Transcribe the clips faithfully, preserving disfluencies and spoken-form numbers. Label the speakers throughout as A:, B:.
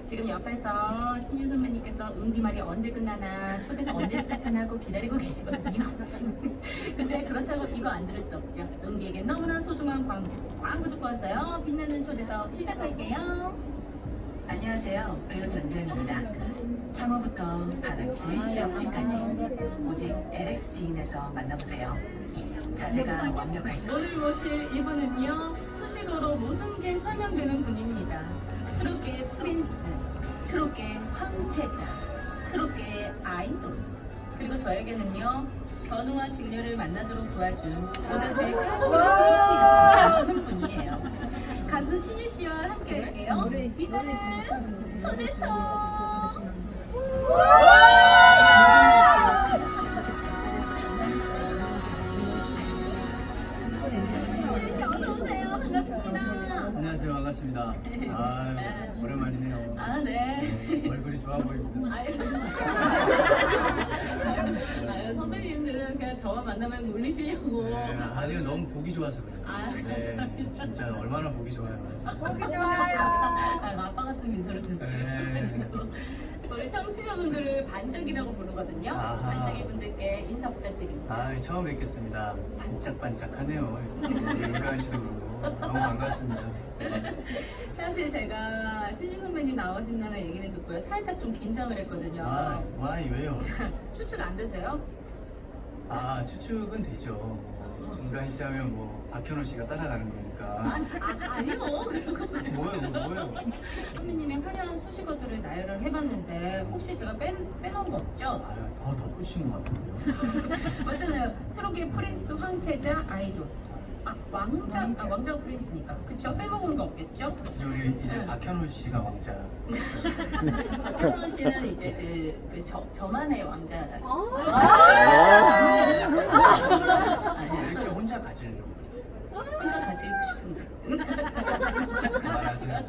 A: 지금 옆에서 신유 선배님께서 응기말이 언제 끝나나 초대석 언제 시작하나 하고 기다리고 계시거든요. 근데 그렇다고 이거 안 들을 수 없죠. 응기에게 너무나 소중한 광고. 광고 듣고 왔어요. 빛나는 초대석 시작할게요.
B: 안녕하세요. 배우 전지현입니다. 창호부터 바닥재, 벽지까지 오직 엘엑스 지인에서 만나보세요. 자세가 완벽할수록
A: 오늘 모실 이분은요, 수식어로 모든 게 설명되는 분입니다. 트롯계의 프린스, 트롯계의 황태자, 트롯계의 아이돌. 그리고 저에게는요, 견우와 직녀를 만나도록 도와준 고자태의 까칠한 같은 분이에요. 가수 신유 씨와 함께 할게요. 빛나는 초대석. 신유 씨 어서 오세요. 반갑습니다.
C: 안녕하세요. 반갑습니다. 아, 오랜만이네요.
A: 아 네.
C: 네, 얼굴이 좋아 보입니다.
A: 아유. 아유, 선배님들은 그냥 저와 만나면 놀리시려고.
C: 네, 아니요, 너무 보기 좋아서 그래요.
A: 아,
C: 네, 진짜 얼마나 보기 좋아요.
A: 아, 아빠 같은 미소를 계속
C: 네.
A: 지으셔가지고. 우리 청취자분들을 반짝이라고 부르거든요.
C: 아하.
A: 반짝이 분들께 인사 부탁드립니다.
C: 아, 처음 뵙겠습니다. 반짝반짝하네요. 윤가은 씨도 그러고 너무 반갑습니다.
A: 사실 제가 신인 선배님 나오신다는 얘기를 듣고요. 살짝 좀 긴장을 했거든요.
C: 아, 와이 왜요?
A: 추측 안 되세요?
C: 아, 추측은 되죠. 윤가은 씨 하면 뭐 박현호 씨가 따라가는 거니까.
A: 아니, 아, 아니요. 그런 거
C: 뭐예요, 뭐, 뭐예요?
A: 선배님의 화려한 수식어들을 나열을 해봤는데 혹시 제가 뺀, 빼놓은 거 없죠?
C: 아, 더 덧붙인 것 같은데요.
A: 맞잖아요. 트롯계 프린스, 황태자, 아이돌. 아, 왕자, 아, 왕자가 프린스니까. 그쵸? 빼먹은 거 없겠죠?
C: 이제 우리 이제
A: 네.
C: 박현호 씨가 왕자.
A: 박현호 씨는 이제 그, 그 저, 저만의 왕자.
C: 이렇게 혼자 가지려고 그랬어요.
A: 혼자 가지고 싶은데.
C: 그만하세요.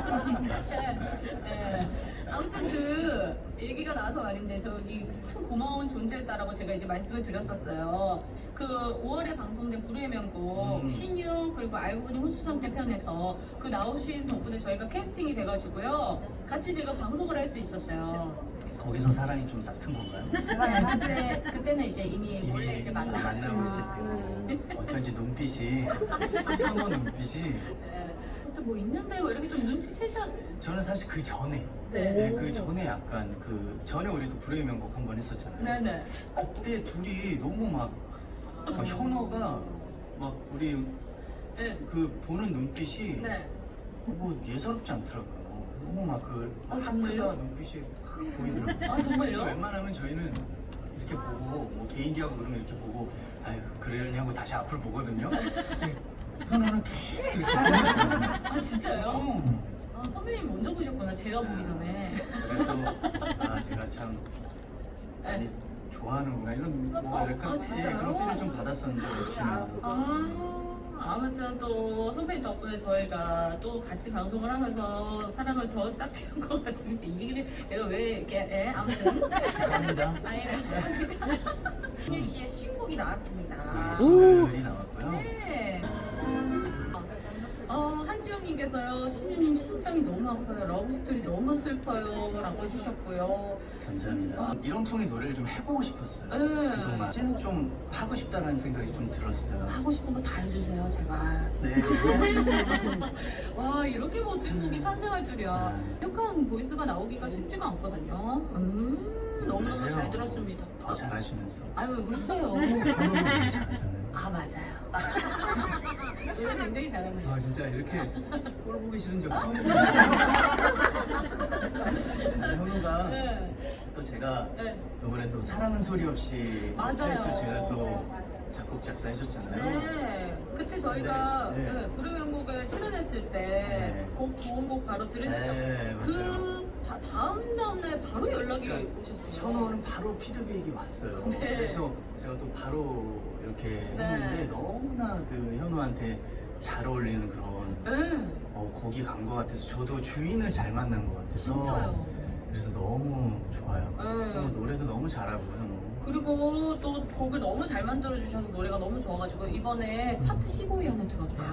A: 네. 아무튼 그 얘기가 나와서 말인데 저기 참 고마운 존재였다라고 제가 이제 말씀을 드렸었어요. 그 오월에 방송된 불후의 명곡
C: 음.
A: 신유 그리고 알고 보니 혼수상태 편에서 그 나오신 덕분에 저희가 캐스팅이 돼가지고요 같이 제가 방송을 할 수 있었어요.
C: 거기서 사랑이 좀 싹튼 건가요?
A: 네, 그때 그때는 이제 이미 원래 이제 만나
C: 만나고 있을 때 어쩐지 눈빛이 현호 눈빛이
A: 네. 그때 뭐 있는데 뭐 이렇게 좀 눈치채셔.
C: 저는 사실 그 전에
A: 네.
C: 네, 그 전에 약간 그 전에 우리도 불후의 명곡 한 번 했었잖아요.
A: 네네.
C: 그때 둘이 너무 막, 막 현호가 막 우리
A: 네.
C: 그 보는 눈빛이
A: 네.
C: 뭐 예사롭지 않더라고요. 너무 막그
A: 아,
C: 하트가
A: 정말요?
C: 눈빛이 확 보이더라고요.
A: 아 정말요?
C: 웬만하면 저희는 이렇게 보고 뭐 개인기하고 그러면 이렇게 보고 아유 그러려냐고 다시 앞을 보거든요. 근데 현호는 계속 이렇게 보거든요.
A: 아 진짜요?
C: 어.
A: 아 선배님이 먼저 보셨구나. 제가 보기 전에.
C: 그래서 아 제가 참 많이 좋아하는구나 이런 뭐랄까
A: 아, 진짜요?
C: 예, 그런 필을 좀 받았었는데 역시나
A: 아 아무튼 또 선배님 덕분에 저희가 또 같이 방송을 하면서 사랑을 더 싹 틔운 것 같습니다. 이 얘기를 내가 왜 이렇게 예, 아무튼
C: 축하합니다.
A: 아예 감사합니다. 신유 씨의 신곡이 나왔습니다.
C: 네, 싱글이 나왔고요.
A: 네. 어, 한지영님께서요, 신유님 심장이 너무 아파요. 러브스토리 너무 슬퍼요. 라고 해주셨고요.
C: 감사합니다. 이런 풍의 노래를 좀 해보고 싶었어요.
A: 네.
C: 그동안 이제는 좀 하고 싶다라는 생각이 좀 들었어요.
A: 하고 싶은 거 다 해주세요, 제발.
C: 네.
A: 와, 이렇게 멋진 곡이 탄생할 줄이야. 약간 보이스가 나오기가 쉽지가 않거든요. 음, 너무너무
C: 그러세요?
A: 잘 들었습니다.
C: 더 잘하시면서
A: 아유, 왜 그러세요?
C: 현호도 되게 잘하잖아요.
A: 아, 맞아요. 노래 굉장히 잘하네요.
C: 아 진짜 이렇게 꼴 보기 싫은 적 처음이에요. 현우가
A: 네.
C: 또 제가
A: 네.
C: 이번에 또 사랑은 소리 없이
A: 맞아요.
C: 타이틀 제가 또 작곡 작사해줬잖아요.
A: 네, 그때 저희가
C: 네, 네.
A: 네, 불의 명곡에 출연했을 때
C: 네.
A: 곡 좋은 곡 바로 들으셨죠?
C: 네, 맞아요.
A: 그 다, 다음 다음날 바로 연락이
C: 그러니까
A: 오셨어요.
C: 현우는 바로 피드백이 왔어요.
A: 네.
C: 그래서 제가 또 바로 이렇게
A: 네.
C: 했는데 너무나 그 현우한테 잘 어울리는 그런
A: 네,
C: 어, 곡이 간 것 같아서 저도 주인을 잘 만난 것 같아서
A: 진짜요.
C: 그래서 너무 좋아요.
A: 네.
C: 현우 노래도 너무 잘하고 현우.
A: 그리고 또 곡을 너무 잘 만들어 주셔서 노래가 너무 좋아가지고 이번에 차트 십오 위 안에 들었대요.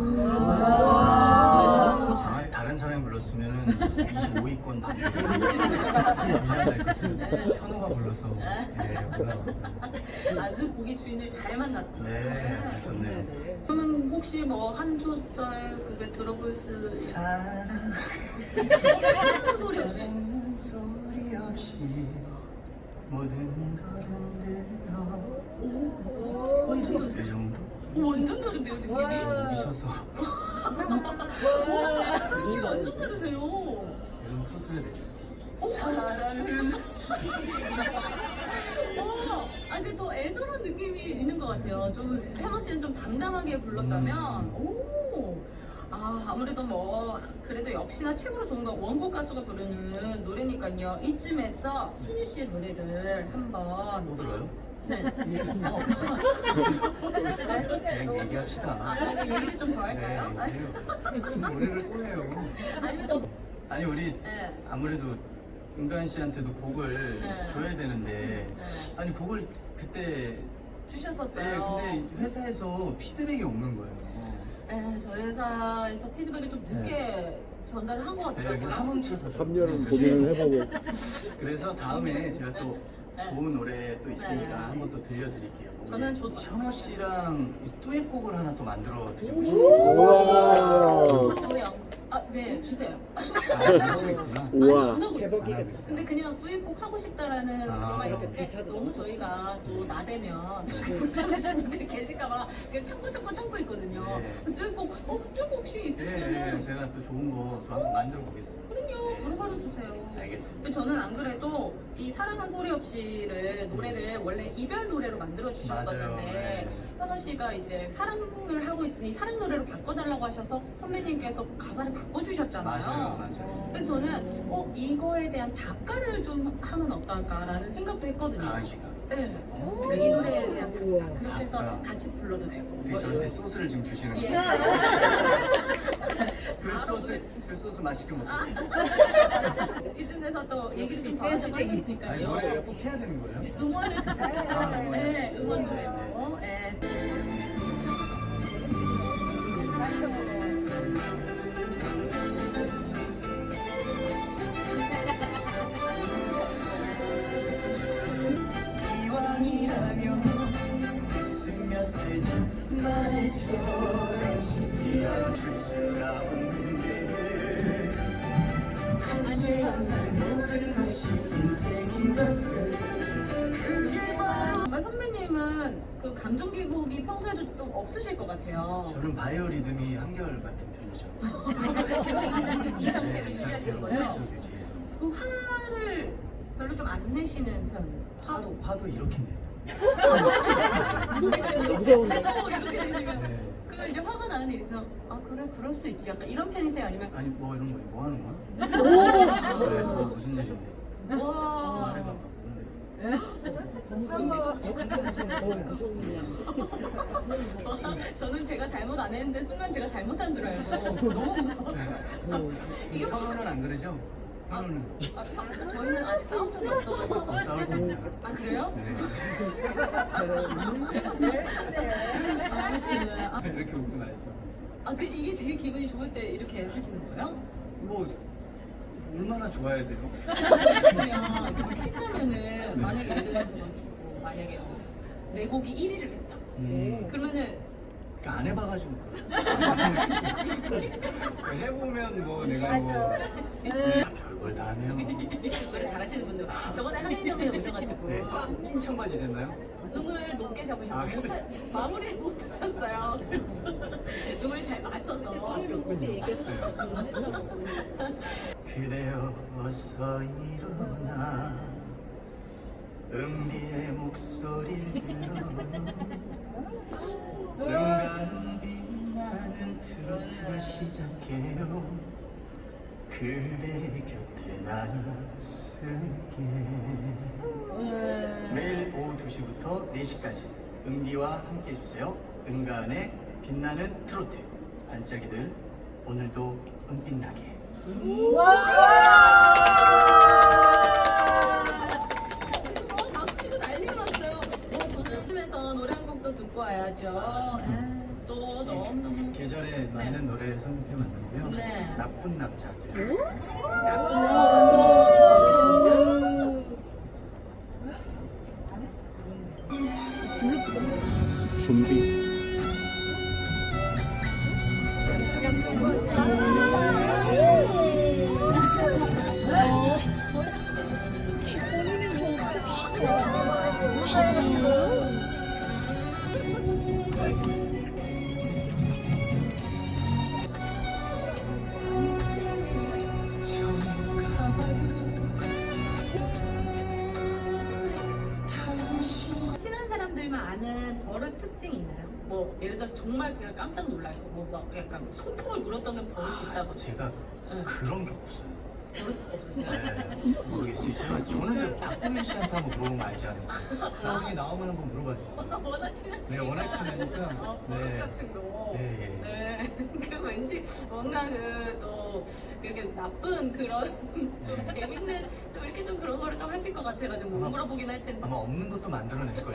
A: 아~ 너무
C: 아,
A: 잘.
C: 다른 사람이 불렀으면 이십오 위권 받고 미안할 것을 현우가 불러서 네, 올라갔고요.
A: 아주 곡의 주인을 잘 만났습니다.
C: 네, 좋네요.
A: 그러면 혹시 뭐 한 소절 그게 들어볼 수 있어요?
C: 사랑
A: 사랑 소리 없이.
C: 소리 없이 모든 걸 흔들어
A: 완전 다른.
C: 이 정도?
A: 완전 다른데요 느낌이?
C: 목이 쉬어서
A: 와 느낌이 완전 다르네요.
C: 지금 터트려야 되죠.
A: 어?
C: 사랑은
A: 어, 아 근데 더 애절한 느낌이 있는 것 같아요. 좀 현우 씨는 좀 담담하게 불렀다면, 오, 아 아무래도 뭐 그래도 역시나 최고로 좋은 건 원곡 가수가 부르는 노래니까요. 이쯤에서 신유 씨의 노래를 한번,
C: 또 들어요?
A: 네, 어,
C: 그냥 얘기합시다.
A: 아, 아니, 얘기를 좀 더 할까요?
C: 네, 해요. 노래를 또 해요.
A: 아니면 또,
C: 아니 우리
A: 네,
C: 아무래도 은간 씨한테도 곡을
A: 네.
C: 줘야 되는데
A: 네,
C: 아니 곡을 그때
A: 주셨었어요.
C: 네, 근데 회사에서 피드백이 없는 거예요.
A: 네, 저희 회사에서 피드백을 좀 늦게 전달을 한 것
C: 네,
A: 같아요.
C: 그래서 한문차서
D: 삼 년은 고민을 해보고
C: 그래서 다음에 제가 또
A: 네.
C: 좋은 노래 또 있으니까
A: 네.
C: 한번 또 들려드릴게요.
A: 저는
C: 우리
A: 좋-
C: 현호 씨랑 이 듀엣곡을 하나 또 만들어 드리고
D: 우와.
C: 싶어요.
A: 저희 안, 아, 네, 주세요.
C: 아, 하고 있구나.
D: 우와.
A: 안 하고 있어요.
C: 안 하고 있어요.
A: 근데 그냥 듀엣곡 하고 싶다라는
C: 아,
A: 그런 말이
C: 이렇게
A: 있는데 너무 저희가 또 나대면 불편하신 분들이 계실까봐 그냥 참고 참고 참고 있거든요.
C: 네.
A: 듀엣곡, 어, 듀엣곡 혹시
C: 네,
A: 있으시면은
C: 네, 제가 또 좋은 거 또 한번 만들어 보겠습니다.
A: 그럼요,
C: 네.
A: 바로바로 주세요.
C: 알겠습니다.
A: 근데 저는 안 그래도 이 사랑한 소리 없이를 노래를 원래 이별 노래로 만들어
C: 맞아요.
A: 주셨었는데
C: 네.
A: 현우 씨가 이제 사랑을 하고 있으니 사랑 노래로 바꿔달라고 하셔서 선배님께서 가사를 바꿔주셨잖아요.
C: 맞아요, 맞아요.
A: 그래서 저는 어 이거에 대한 답가를 좀 하면 어떨까라는 생각도 했거든요.
C: 가은 씨가
A: 네.
C: 어.
A: 그러니까 이 노래에 대한
D: 우와.
A: 답가 그렇게 해서
C: 답가.
A: 같이 불러도 되고.
C: 어떻게 저한테 소스를 지금 주시는
A: 예.
C: 거예요? 그 소스 그 소스 맛있게 먹겠습니다.
A: 이쯤에서 또 얘기를 좀 더 하자고
C: 아니
A: 하겠으니까요.
C: 노래를 꼭 해야 되는 거예요?
A: 응원을 듣고
C: 아, 응원을
A: 네,
C: 듣고.
A: 응원도요. 네.
C: 이왕이라면 웃으며 살자 말처럼 튀어줄 수가 없는데 한시한 날 모르는 것이 인생인 것을 그게 바로
A: 정말 선배님은 그 감정 기복이 평소에도 좀 없으실 것 같아요.
C: 저는 바이오 리듬이 한결 같은 편이죠.
A: 계속 이, 이, 이
C: 네,
A: 상태를
C: 이
A: 유지하시는
C: 상태로
A: 거죠?
C: 계속 유지해요.
A: 그 화를 별로 좀 안 내시는 편.
C: 파도 파도 이렇게 내요.
D: 무서운데.
A: 해도 이렇게 되시면
C: 네.
A: 그러면 이제 화가 나는 일 있으면 아 그래 그럴 수 있지 약간 이런 편이세요 아니면
C: 아니 뭐 이런 거 뭐 하는 거야?
A: 오!
C: 네, 뭐 무슨 일인데?
A: 와
C: 말해봐봐. 뭔데?
A: 은비도 혹시 그렇게 하시는
D: 어,
A: 거예요?
D: 무서운 일이야.
A: 저는 제가 잘못 안 했는데 순간 제가 잘못한 줄 알고 너무 무서웠어요. 이게
C: 현우는 안 그러죠? 현우는
A: 아, 형, 저희는 아직 싸운 적이 없어가지고.
C: 곧 싸울 겁니다.
A: 아 그래요?
C: 네.
A: 아,
C: 이렇게 웃고 나야죠.
A: 아, 그 이게 제일 기분이 좋을 때 이렇게 하시는 거예요?
C: 뭐 얼마나 좋아야 돼요?
A: 같으면 이렇게 막 신나면은 만약에 예를 들어서 가지고 만약에 내 곡이 일 위를 했다.
C: 음,
A: 그러면은
C: 그러니까 안 해봐가지고 모르겠어. 해보면 뭐 내가 뭐 별걸 다 하네요.
A: 노래 잘하시는 분들 저번에 한혜인 선배님 오셔가지고
C: 네, 꽉낀 청바지 됐나요?
A: 음을 높게 잡으셔서
C: 아,
A: 못
C: 그랬어요?
A: 마무리를 못 하셨어요. 그래서 음을 잘 맞춰서
C: 꽉 꼈군요. 그대여 어서 일어나 은비의 목소리를 들어 은가는 빛나는 트로트가 시작해요 그대 곁에 나 있을게 매일 오후 두 시부터 네 시까지 은비와 함께 해주세요 은가은의 빛나는 트로트 반짝이들 오늘도 은빛나게
A: 어, 박수 치고 난리가 났어요.
C: 나쁜 남자들.
A: 나쁜 남자 보겠습니다.
D: 준비.
A: 친한 사람들만 아는 버릇 특징 있나요? 뭐 예를 들어서 정말 그냥 깜짝 놀랄 거, 뭐 막 약간 손톱을 물었던 버릇이 있다고.
C: 제가
A: 응.
C: 그런 게 없어요.
A: 버릇 없으세요?
C: 네, 모르겠어요. 제가 저는 저 박보민 씨한테 한번 물어보면 알지 않을까. 나중에 나오면 한번 물어봐 주세요.
A: 워낙 친하시니까.
C: 네, 워낙 친하니까.
A: 어, 버릇
C: 네.
A: 같은 거.
C: 네, 예.
A: 네. 그 왠지 뭔가 그또 이렇게 나쁜 그런 좀 재밌는 좀 이렇게 좀 그런 거를 좀 하실 것 같아가지고 못
C: 아마-
A: 물어보긴 할 텐데.
C: 아마 없는 것도 만들어낼걸요.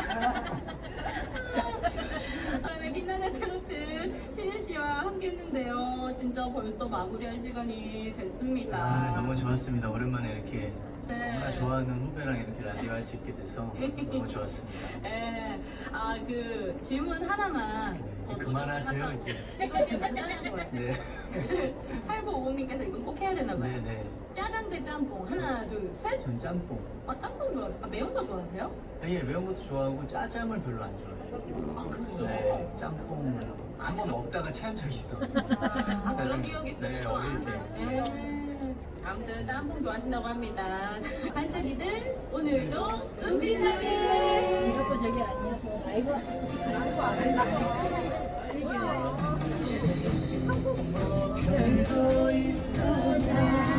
A: 아, 네, 빛나는 트로트 신유 씨와 함께했는데요. 진짜 벌써 마무리할 시간이 됐습니다.
C: 아, 너무 좋았습니다. 오랜만에 이렇게
A: 네.
C: 너무나 좋아하는 후배랑 이렇게 라디오 할 수 있게 돼서 너무 좋았습니다.
A: 네, 아 그 질문 하나만.
C: 네, 이제
A: 더
C: 그만하세요,
A: 도전을
C: 이제.
A: 하고- 이거 지금 간단한 거예요.
C: 네.
A: 팔구오오님께서 이건 꼭 해야 되나 봐요.
C: 네, 네.
A: 짜장 대 짬뽕 하나 둘 셋.
C: 전 짬뽕.
A: 아 짬뽕 좋아. 아 매운 거 좋아하세요?
C: 아, 예, 매운 것도 좋아하고 짜장을 별로 안 좋아해요.
A: 아 그래요?
C: 네, 짬뽕을 한 번 먹다가 체한 적이 있어.
A: 아 그런
C: 짜장.
A: 기억이 있어요.
C: 네, 어릴 때.
A: 네. 아무튼 짬뽕 좋아하신다고 합니다. 반짝이들 오늘도 은빛나게.
E: 이것도 저게 아니어서 아이고 아이고 안 한다.
C: 별거 있다.